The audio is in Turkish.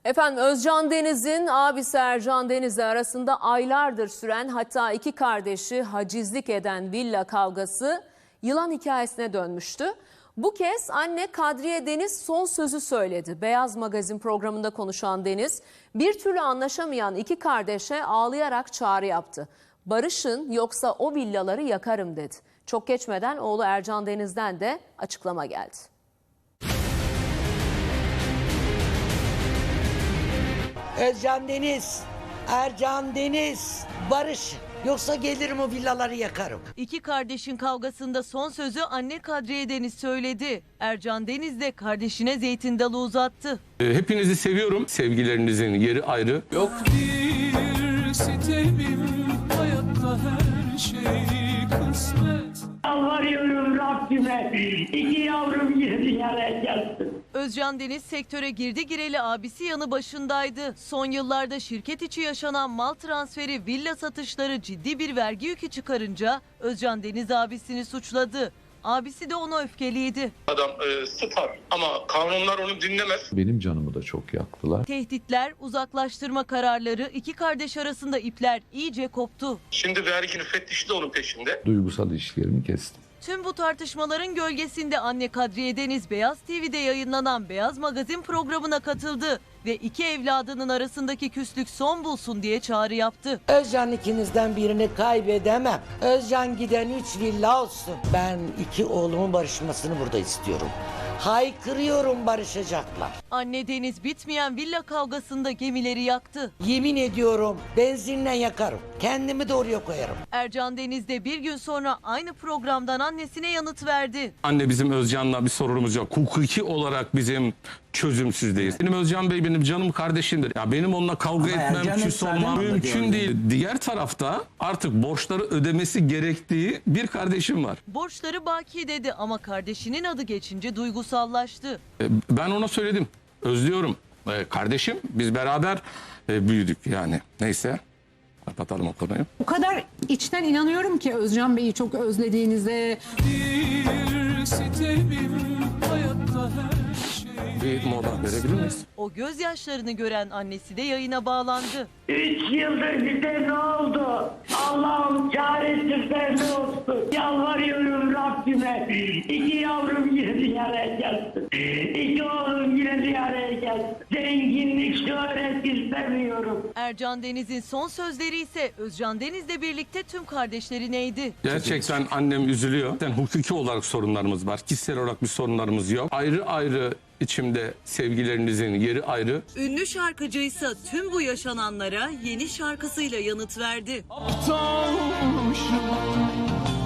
Efendim Özcan Deniz'in abisi Ercan Deniz'le arasında aylardır süren, hatta iki kardeşi hacizlik eden villa kavgası yılan hikayesine dönmüştü. Bu kez anne Kadriye Deniz son sözü söyledi. Beyaz Magazin programında konuşan Deniz, bir türlü anlaşamayan iki kardeşe ağlayarak çağrı yaptı. Barışın, yoksa o villaları yakarım dedi. Çok geçmeden oğlu Ercan Deniz'den de açıklama geldi. Özcan Deniz, Ercan Deniz, barış. Yoksa gelirim o villaları yakarım. İki kardeşin kavgasında son sözü anne Kadriye Deniz söyledi. Ercan Deniz de kardeşine zeytin dalı uzattı. Hepinizi seviyorum. Sevgilerinizin yeri ayrı. Yok bir sitemim, hayatta her şey kısmet. Yalvarıyorum Rabbime, iki yavrum yine dünyaya gelsin. Özcan Deniz sektöre girdi gireli abisi yanı başındaydı. Son yıllarda şirket içi yaşanan mal transferi, villa satışları ciddi bir vergi yükü çıkarınca Özcan Deniz abisini suçladı. Abisi de ona öfkeliydi. Adam star ama kanunlar onu dinlemez. Benim canımı da çok yaktılar. Tehditler, uzaklaştırma kararları, iki kardeş arasında ipler iyice koptu. Şimdi vergi müfettişi de onun peşinde. Duygusal ilişkilerimi kestim. Tüm bu tartışmaların gölgesinde anne Kadriye Deniz Beyaz TV'de yayınlanan Beyaz Magazin programına katıldı ve iki evladının arasındaki küslük son bulsun diye çağrı yaptı. Özcan ikinizden birini kaybedemem. Özcan giden 3 villa olsun. Ben iki oğlumun barışmasını burada istiyorum. Haykırıyorum, barışacaklar. Anne Deniz bitmeyen villa kavgasında gemileri yaktı. Yemin ediyorum benzinle yakarım. Kendimi de oraya koyarım. Ercan Deniz de bir gün sonra aynı programdan annesine yanıt verdi. Anne, bizim Özcan'la bir sorunumuz yok. Hukuki olarak bizim çözümsüzdeyiz. Benim Özcan Bey benim canım kardeşimdir. Ya benim onunla kavga etmem, küs olmam mümkün değil. Diğer tarafta artık borçları ödemesi gerektiği bir kardeşim var. Borçları baki dedi ama kardeşinin adı geçince duygusallaştı. Ben ona söyledim. Özlüyorum. Kardeşim, biz beraber büyüdük yani. Neyse. Kapatalım o konuyu. O kadar içten inanıyorum ki Özcan Bey'i çok özlediğinize. Bir sitemim, hayatta her şey. Bir mola verebilir miyiz? O gözyaşlarını gören annesi de yayına bağlandı. 3 yıldır bize ne oldu? Allah'ım çaresizler ne olsun? Yalvarıyorum Rabbime, iki yavrum yine dünyaya gelsin. İki oğlum yine dünyaya gelsin. Zenginlik, şöhret istemiyorum. Ercan Deniz'in son sözleri ise Özcan Deniz'le birlikte tüm kardeşlerineydi. Gerçekten annem üzülüyor. Yani hukuki olarak sorunlarımız var. Kişisel olarak bir sorunlarımız yok. Ayrı ayrı içimde sevgilerinizin yeri ayrı. Ünlü şarkıcıysa tüm bu yaşananlara yeni şarkısıyla yanıt verdi. Aptalmışım,